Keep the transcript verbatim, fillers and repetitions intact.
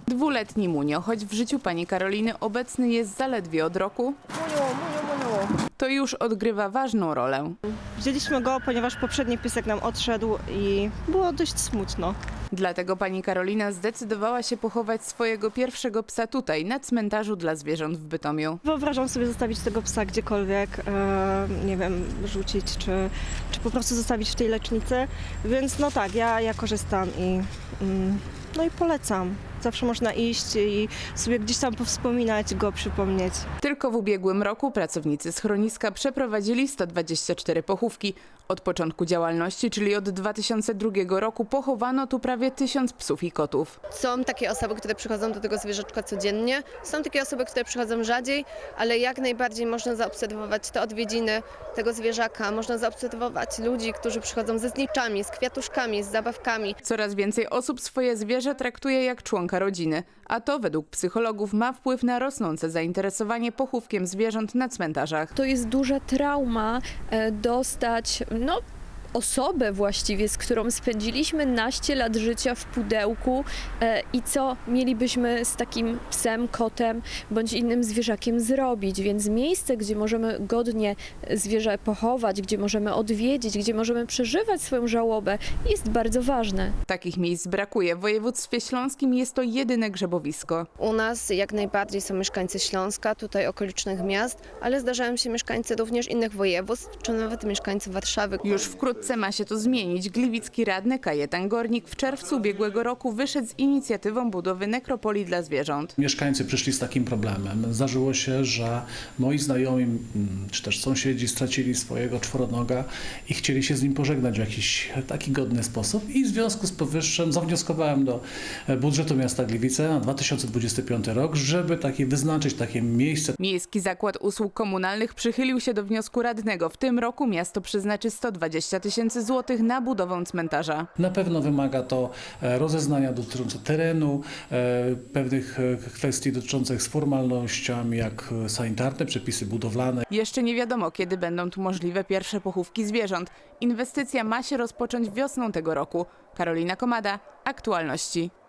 Dwuletni Munio, choć w życiu pani Karoliny obecny jest zaledwie od roku, Munio, Munio, Munio. to już odgrywa ważną rolę. Wzięliśmy go, ponieważ poprzedni piesek nam odszedł i było dość smutno. Dlatego pani Karolina zdecydowała się pochować swojego pierwszego psa tutaj, na cmentarzu dla zwierząt w Bytomiu. Wyobrażam sobie zostawić tego psa gdziekolwiek, e, nie wiem, rzucić czy, czy po prostu zostawić w tej lecznicy. Więc no tak, ja, ja korzystam i, mm, no i polecam. Zawsze można iść i sobie gdzieś tam powspominać, go przypomnieć. Tylko w ubiegłym roku pracownicy schroniska przeprowadzili sto dwadzieścia cztery pochówki. Od początku działalności, czyli od dwa tysiące drugiego roku, pochowano tu prawie tysiąc psów i kotów. Są takie osoby, które przychodzą do tego zwierzaczka codziennie, są takie osoby, które przychodzą rzadziej, ale jak najbardziej można zaobserwować te odwiedziny tego zwierzaka, można zaobserwować ludzi, którzy przychodzą ze zniczami, z kwiatuszkami, z zabawkami. Coraz więcej osób swoje zwierzę traktuje jak członka rodziny, a to według psychologów ma wpływ na rosnące zainteresowanie pochówkiem zwierząt na cmentarzach. To jest duża trauma e, dostać, no, osobę właściwie, z którą spędziliśmy naście lat życia w pudełku e, i co mielibyśmy z takim psem, kotem bądź innym zwierzakiem zrobić. Więc miejsce, gdzie możemy godnie zwierzę pochować, gdzie możemy odwiedzić, gdzie możemy przeżywać swoją żałobę, jest bardzo ważne. Takich miejsc brakuje. W województwie śląskim jest to jedyne grzebowisko. U nas jak najbardziej są mieszkańcy Śląska, tutaj okolicznych miast, ale zdarzają się mieszkańcy również innych województw, czy nawet mieszkańcy Warszawy. Już wkrótce ma się to zmienić. Gliwicki radny Kajetan Gornik w czerwcu ubiegłego roku wyszedł z inicjatywą budowy nekropolii dla zwierząt. Mieszkańcy przyszli z takim problemem. Zdarzyło się, że moi znajomi, mm, czy też sąsiedzi stracili swojego czworonoga i chcieli się z nim pożegnać w jakiś taki godny sposób i w związku z powyższym zawnioskowałem do budżetu miasta Gliwice na dwa tysiące dwudziesty piąty rok, żeby taki wyznaczyć takie miejsce. Miejski Zakład Usług Komunalnych przychylił się do wniosku radnego. W tym roku miasto przeznaczy sto dwadzieścia tysięcy złotych na budowę cmentarza. Na pewno wymaga to e, rozeznania dotyczące terenu, e, pewnych e, kwestii dotyczących z formalnościami, jak e, sanitarne, przepisy budowlane. Jeszcze nie wiadomo, kiedy będą tu możliwe pierwsze pochówki zwierząt. Inwestycja ma się rozpocząć wiosną tego roku. Karolina Komada, Aktualności.